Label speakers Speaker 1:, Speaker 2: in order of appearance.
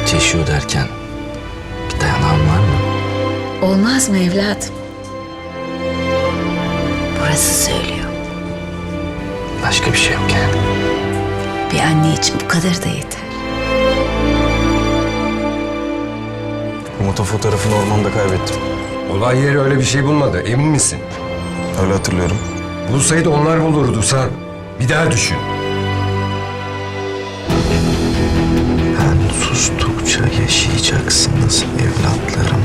Speaker 1: Umut yaşıyor derken bir dayanağın var mı?
Speaker 2: Olmaz mı evladım? Burası söylüyor.
Speaker 1: Başka bir şey yok yani.
Speaker 2: Bir anne için bu kadar da yeter.
Speaker 3: Umut'un fotoğrafını ormanda kaybettim.
Speaker 4: Olay yeri öyle bir şey bulmadı. Emin misin?
Speaker 3: Öyle hatırlıyorum.
Speaker 4: Bulsaydı onlar bulurdu sen. Bir daha düşün.
Speaker 1: Ben sustukça yaşayacaksınız evlatlarım.